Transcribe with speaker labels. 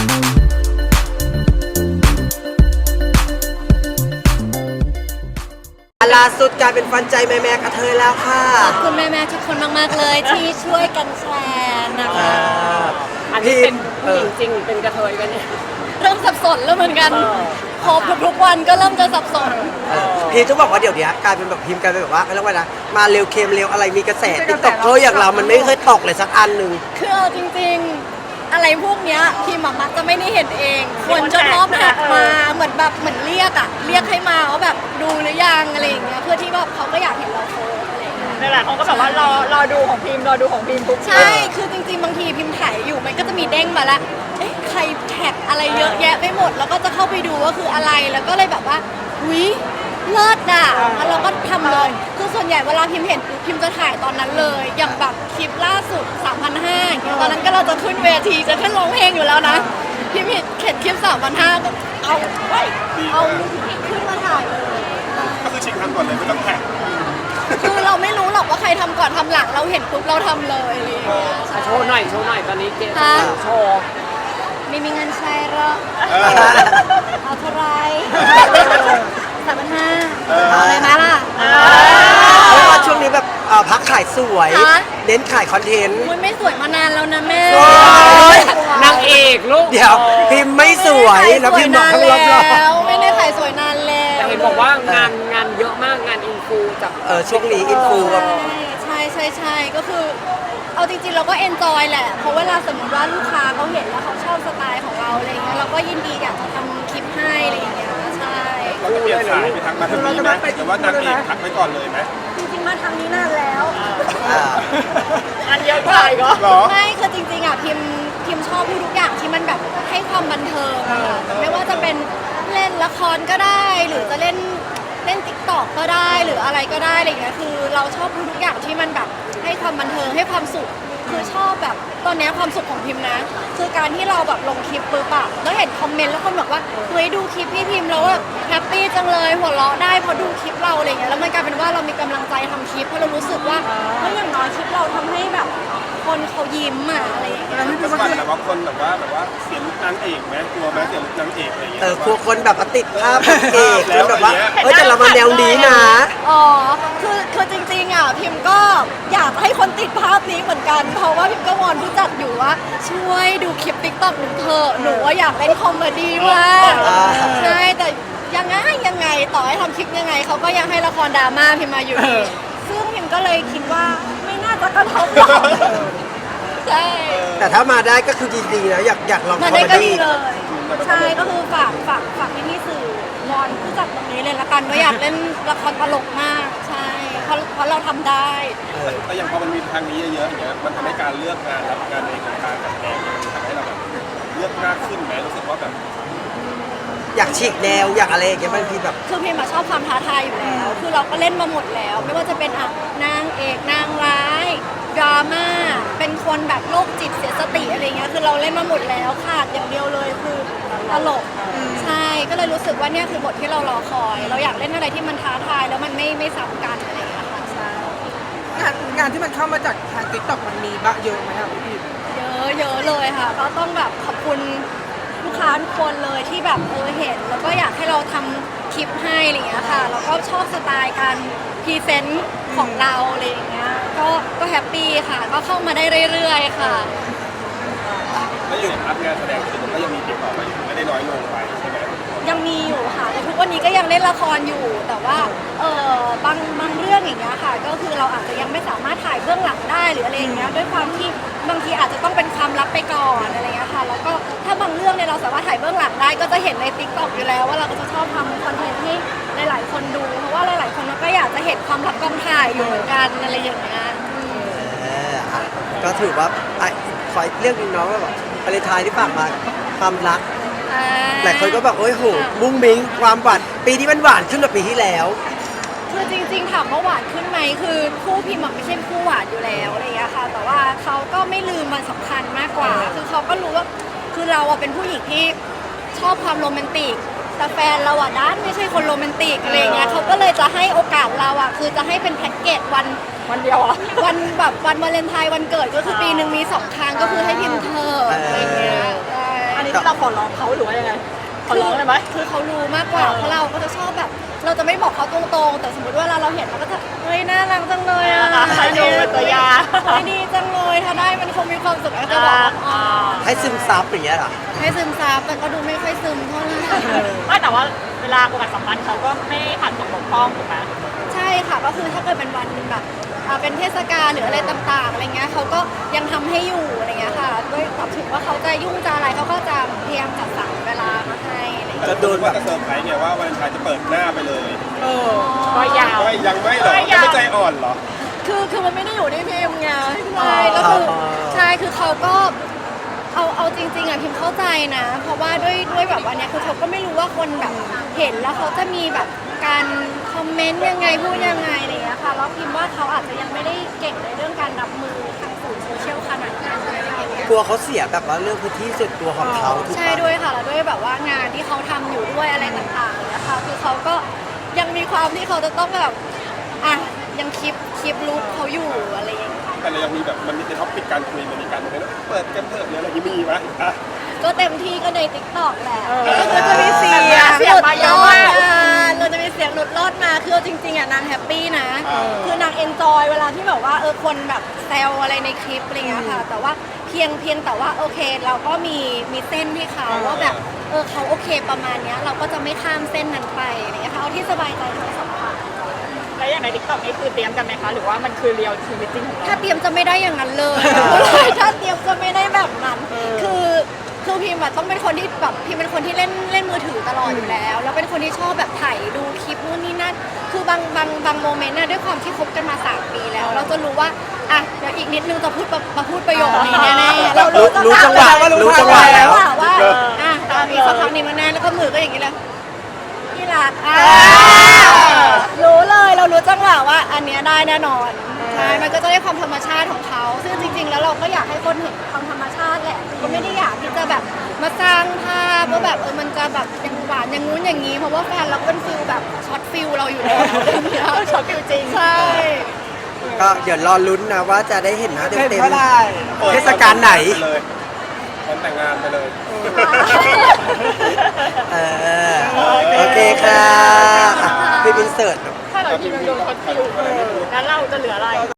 Speaker 1: ล่าสุดกลายเป็นฟันใจแม่ๆกระเทยแล้วค่ะ
Speaker 2: ขอบคุณแม่ๆทุกคนมากๆเลยที่ช่วยกันแชร์นะคะ
Speaker 3: อันนี้เป็นผู้หญิงจริงหรือเป็นกระเทยกันเนี่ย
Speaker 2: เริ่มสับสนแล้วเหมือนกันพบทุกๆวันก็เริ่มจะสับสน
Speaker 1: พีจะบอกว่าเดี๋ยวนี้กลายเป็นแบบพิมพ์กลายเป็นแบบว่าเรียกว่านะมาเร็วเค็มเร็วอะไรมีกระแสติ๊กต็อกเกอร์อย่างเรามันไม่เคยตกเลยสักอันหนึ่ง
Speaker 2: คือเอาจริงๆอะไรพวกเนี้ยพิมมักจะไม่ได้เห็นเองคนจะชอบแท็กมาเหมือนเรียกให้มาว่าแบบดูหรือยังอะไรอย่างเงี้ยเพื่อที่แบบเขาก็อยากเห็นเราโพสอะไรอย่างเงี้ย
Speaker 3: นั่นแหละเขาก็แบบว่ารอดูของพิมพ์ทุก
Speaker 2: ใช่คือจริงๆบางทีพิมพ์ถ่ายอยู่มันก็จะมีเด้งมาละใครแท็กอะไรเยอะแยะไปหมดแล้วก็จะเข้าไปดูว่าคืออะไรแล้วก็เลยแบบว่าวิเลิศอ่ะแล้วเราก็ทำเลยคือส่วนใหญ่เวลาพิมพ์เห็นพิมพ์จะถ่ายตอนนั้นเลยอย่างแบบคลิปล่าสุด 3,500 ตอนนั้นก็เราจะขึ้นเวทีจะขึ้นร้องเพลงอยู่แล้วนะพิมพ์เห็นคลิป 3,500 ก็เอาขึ้นมาถ่ายเลย
Speaker 4: ก็คือชิงทำก่อนเลยไม่ต้องแข่ง
Speaker 2: คือเราไม่รู้หรอกว่าใครทำก่อนทำหลังเราเห็นปุ๊บเราทำเลยอะไรอย่างเงี้ย
Speaker 3: โชว์หน่อยตอนนี้เกมโชว์
Speaker 2: ไม่มีเงินใช้หรอกเอาเท่าไร3,500เอาอะไรมาล่ะ
Speaker 1: เพราะว่าช่วงนี้แบบพักขายสวยเน้นขายคอนเทนต์
Speaker 2: มันไม่สวยมานานแล้วนะแม่
Speaker 3: นางเอกลูก
Speaker 1: เดี๋ยวพิมพ์ไม่สวยแล้วพิมพ์บอกข้างรอบ
Speaker 2: ไม่ได้ขายสวยนานแล้ว
Speaker 3: แต่เห็นบอกว่างานเยอะมากงานอินฟูจาก
Speaker 1: ช่วงนี้อินฟู
Speaker 2: ใช่ก็คือเอาจริงๆเราก็เอนจอยแหละเพราะเวลาสมมติว่าลูกค้าเขาเห็นแล้วเขาชอบสไตล์ของเราอะไรเงี้ยเราก็ยินดีอยากจะทำคลิปให้อะไรอย่างเงี้ยใช่
Speaker 4: เราจะเปลี่ยนสายไปทางมาทางนี้ไหมแต่ว่านางเอกทักไว้ก่อนเลยไหม
Speaker 2: จริงๆมาทางนี้นานแล้ว
Speaker 3: อันเยอะกว่าอีกเห
Speaker 2: รอไม่คือจริงๆอ่ะพิมชอบทุกอย่างที่มันแบบให้ความบันเทิงไม่ว่าจะเป็นเล่นละครก็ได้หรือจะเล่นติ๊กต็อกก็ได้หรืออะไรก็ได้อะไรอย่างเงี้ยคือเราชอบทุกอย่างที่มันแบบให้ความบันเทิงให้ความสุขคือชอบแบบตอนนี้ความสุขของพิมนะคือการที่เราแบบลงคลิปปุ๊บอะแล้วเห็นคอมเมนต์แล้วคนบอกว่าเฮ้ยดูคลิปพี่พิมแล้วแบบแฮปปี้จังเลยหัวเราะได้พอดูคลิปเราอะไรเงี้ยแล้วมันกลายเป็นว่าเรามีกำลังใจทำคลิปเพราะเรารู้สึกว่าเฮ้ยอย่างน้อยคลิปเราทำให้แบบคนเขายิ้มอะอะไรอย่างเงี้ย
Speaker 4: ก็สั่นแบบว่าคนแบบว่าเสียลุกนางเอกไหมกลัวไหมเสียลุกนางเอกอะไรอย่างเงี้ย
Speaker 1: กลัวคนแบบติดภาพเอกแล้วแบบว่าแต่เรามาแนวนี้นะ
Speaker 2: คือจริงๆอ่ะพิมก็อยากให้คนติดภาพนี้เหมือนกันเพราะว่าพิมก็วอนผู้จัดอยู่ว่าช่วยดูคลิปติ๊กต็อกหนูเถอะหนูว่าอยากเล่นคอมเมดี้มากใช่แต่ยังไงต่อให้ทำคลิปยังไงเขาก็ยังให้ละครดราม่าพิมมาอยู่ดีซึ่งพิมก็เลยคิดว่าไม่น่าจะกระทบหรอกใช่
Speaker 1: แต่ถ้ามาได้ก็คือดีๆนะอยากลองคอมเมดี้
Speaker 2: เลยใช่ก็คือฝากพี่สื่อวอนผู้จัดตรงนี้เลยละกันว่าอยากเล่นละครตลกมากใช่เพราะเราทำได้
Speaker 4: แต่อย่างพอมันมีทางนี้เยอะๆอย่างเงี้ยมันทำให้การเลือกงานรับงานในวงการแบบนี้ทำให้เราแบบเลือกมากขึ้นไหมรู้สึกว่าแบบ
Speaker 1: อยากฉีกแนวอยากอะไรอย่างเงี้ยบางทีแบบ
Speaker 2: คือพิมชอบความท้าทายอยู่แล้วคือเราก็เล่นมาหมดแล้วไม่ว่าจะเป็นนางเอกนางร้ายดราม่าเป็นคนแบบโรคจิตเสียสติอะไรเงี้ยคือเราเล่นมาหมดแล้วขาดอย่างเดียวเลยคือตลกใช่ก็เลยรู้สึกว่าเนี่ยคือบทที่เรารอคอยเราอยากเล่นอะไรที่มันท้าทายแล้วมันไม่ซ้ำกันอะไรอย่างเงี้ยค่ะใช่
Speaker 5: งานที่มันเข้ามาจากทางติ๊กต็อกมันมีบ้างเยอะไหมครับพี่
Speaker 2: เยอะเลยค่ะก็ต้องแบบขอบคุณลูกค้าทุกคนเลยที่แบบเห็นแล้วก็อยากให้เราทำคลิปให้อะไรอย่างเงี้ยค่ะแล้วก็ชอบสไตล์การพรีเซนต์ของเราอะไรอย่างเงี้ยก็แฮปปี้ค่ะก็เข้ามาได้เรื่อยๆค่ะ
Speaker 4: แล้วอย่างรับงานแสดงคือมันก็ยังมีติดต่อมาอยู่ไม่ได้น้อยลงไปใช่ไหม
Speaker 2: ยังมีอยู่ค่ะแต่ทุกวันนี้ก็ยังเล่นละครอยู่แต่ว่าบางเรื่องอย่างเงี้ยค่ะก็คือเราอาจจะยังไม่สามารถถ่ายเบื้องหลังได้หรืออะไรอย่างเงี้ยด้วยความที่บางทีอาจจะต้องเป็นความลับไปก่อนอะไรเงี้ยค่ะแล้วก็ถ้าบางเรื่องเนี่ยเราสามารถถ่ายเบื้องหลังได้ก็จะเห็นใน TikTok อยู่แล้วว่าเราก็จะชอบทำคอนเทนต์ให้หลายๆคนดูเพราะว่าหลายๆคนก็อยากจะเห็นความลับกองถ่ายอยู่เหมือนกันอะไรอย่างเงี้ย
Speaker 1: ก็ถือว่าขอเรื่องนึงน้องว่าแบบวาเลนไทน์ที่ฝากมาความรักหลายคนก็แบบโอ้ยโหมุ้งมิ้งความหวานปีนี้มันหวานขึ้นกว่าปีที่แล้ว
Speaker 2: คือจริงๆถามว่าหวานขึ้นไหมคือคู่พิมพ์ไม่ใช่คู่หวานอยู่แล้วอะไรอย่างเงี้ยค่ะแต่ว่าเขาก็ไม่ลืมมันสำคัญมากกว่าคือเขาก็รู้ว่าคือเราเป็นผู้หญิงที่ชอบความโรแมนติกแต่แฟนเราด้านไม่ใช่คนโรแมนติกอะไรเงี้ยเขาก็เลยจะให้โอกาสเราคือจะให้เป็นแพ็กเกจวันเดียววันแบบวันวาเลนไทน์วันเกิดก็คือปีหนึ่งมี2 ครั้งก็คือให้พิมพ์เธออะไรเงี้ย
Speaker 5: อันนี้
Speaker 3: นี้ที่เราขอร้องเขาหรือว่ายังไงขอร้องเลยไหม
Speaker 2: คือเขารู้มากกว่าเพราะเราก็จะชอบแบบ เราจะไม่บอกเขาตรงๆ แต่สมมติว่าเราเห็นเราก็จะเฮ้ยน่ารักจังเลยอ่ะ
Speaker 3: ดูเป็นตัวยา
Speaker 2: เฮ้ยดีจังเลยถ้าได้มันคงมีความสุขแล้วจะบอกอ๋อ
Speaker 1: ให้ซึมซับอย่างเงี้ยเหรอ
Speaker 2: ให้ซึมซับแต่ก็ดูไม่ค่อยซึมเท่าไหร่
Speaker 3: ไม่แต่ว่าเวลาโอกาสสำคัญเขาก็ไม่ขาดตกบกพร่องถูกไหม
Speaker 2: ใช่ค่ะก็คือถ้าเกิดเป็นวันแบบเป็นเทศกาลหรืออะไรต่างๆอะไรเงี้ยเขาก็ยังทำให้อยู่อะไรเงี้ยค่ะด้วยตอบถึงว่าเขาจะยุ่งจะอะไรเขาก็จะพยายามจัดสรรเวลามาให้อะไรเงี้ย
Speaker 1: จะโดนแบบ
Speaker 4: ว่าจะเซอร์ไพรส์เนี่ยว่าวันเลนไทน์จะเปิดหน้าไปเลย
Speaker 3: ก็ยาว
Speaker 4: ไม่ยังไม่หรอยังไม่ใจอ่อนเหรอ
Speaker 2: คือมันไม่ได้อยู่ที่พิมพ์ไงใช่แล้วคือใช่คือเขาก็เอาจริงๆอ่ะพิมเข้าใจนะ เพราะว่าด้วยแบบวันเนี้ยคือเขาก็ไม่รู้ว่าคนแบบเห็นแล้วเขาจะมีแบบการคอมเมนต์ยังไงพูดยังไงอะไรอย่างเงี้ยค่ะแล้วพิมว่าเขาอาจจะยังไม่ได้เก่งในเรื่องการรับมือทางสื่อโซเชียลขนาดนั้นอะไรอย่างเงี้ย
Speaker 1: กลัวเขาเสียแบบว่าเรื่องพื้นที่ส่วนตัวของเขาถูก
Speaker 2: ใช่
Speaker 1: ปะ
Speaker 2: ด้วยค่ะแล้วด้วยแบบว่างานที่เขาทำอยู่ด้วยอะไรต่างๆนะคะคือเขาก็ยังมีความที่เขาจะต้องแบบอ่ะยังคลิปรูปเขาอยู่อะไรอย่างเงี้ย
Speaker 4: แต่เรายังมีแบบมันมีท็อปปิกการคุยมันมีการเปิดกันเถอะหรืออะไรอย่างนี้มีไหมอ่ะ
Speaker 2: ก็เต็มที่ก็ในติ๊กต็อกแหละ
Speaker 3: เออ
Speaker 2: ก็จะมีเสียง
Speaker 3: เสียงมาเยอะมาก
Speaker 2: เราจะมีเสียงหลุดรอดมาคือเอาจริงๆอ่ะนางแฮปปี้นะ คือนางเอนจอยเวลาที่แบบว่าคนแบบแซวอะไรในคลิปอะไรเงี้ยค่ะ แต่ว่าเพียงแต่ว่าโอเคเราก็มีเส้นที่เขาว่าแบบเขาโอเคประมาณเนี้ยเราก็จะไม่ข้ามเส้นนั้นไปอะไรเงี้ยค่ะเอาที่สบายใจทั้งสองฝ่าย
Speaker 3: แล้วอย่างในทิกตอกนี่คือเตรียมกันไหมคะ หรือว่ามันคือเรียลชีวิตจริงของเรา
Speaker 2: ถ้าเตรียมจะไม่ได้อย่างนั้นเลย ถ้าเตรียมจะไม่ได้แบบนั้น คือพิมพ์อะต้องเป็นคนที่แบบพิมเป็นคนที่เล่นมือถือตลอดอยู่แล้ว แล้วเป็นคนที่ชอบแบบถ่ายดูคลิปนู่นนี่นั่น คือบางโมเมนต์น่ะด้วยความที่คบกันมา3 ปีแล้ว เราจะรู้ว่าอ่ะเดี๋ยวอีกนิดนึงจะพูดประโยคนี้แน่ๆเรารู้
Speaker 1: รู้จังหวะรู้จังหวะแล้ว
Speaker 2: ว่าอ่ะตอนนี้สักพักหนึงแน่ๆแล้วก็มือก็อย่างนี้เลยที่รักรู้เลยเรารู้จังหวะว่าอันเนี้ยได้แน่นอนใช่มันก็จะได้ความธรรมชาติของเขาซึ่งจริง ๆ แล้วเราก็อยากให้คนเห็นความธรรมชาติแหละก็ไม่ได้อยากที่จะแบบมาสร้างภาพว่าแบบมันจะแบบยังหวานอย่างงู้นอย่างนี้เพราะว่าแฟนเราเป็นฟิลแบบช็อตฟิลเราอยู่แล้วช็อตฟิลจริงใช่
Speaker 1: ก็เดี๋ยวรอลุ้นนะว่าจะได้เห็นหน้า
Speaker 5: เห็น
Speaker 1: เต็ม
Speaker 5: เมื่อไหร่
Speaker 1: ๆเทศกาลไหน
Speaker 4: เลยวันแต่งงานไปเลย
Speaker 1: เออโอเคค่ะอ่ะพี่บินเสิร์ต
Speaker 3: ถ้าเราทีมโดนคอนฟิวงั้นเราจะเหลืออะไร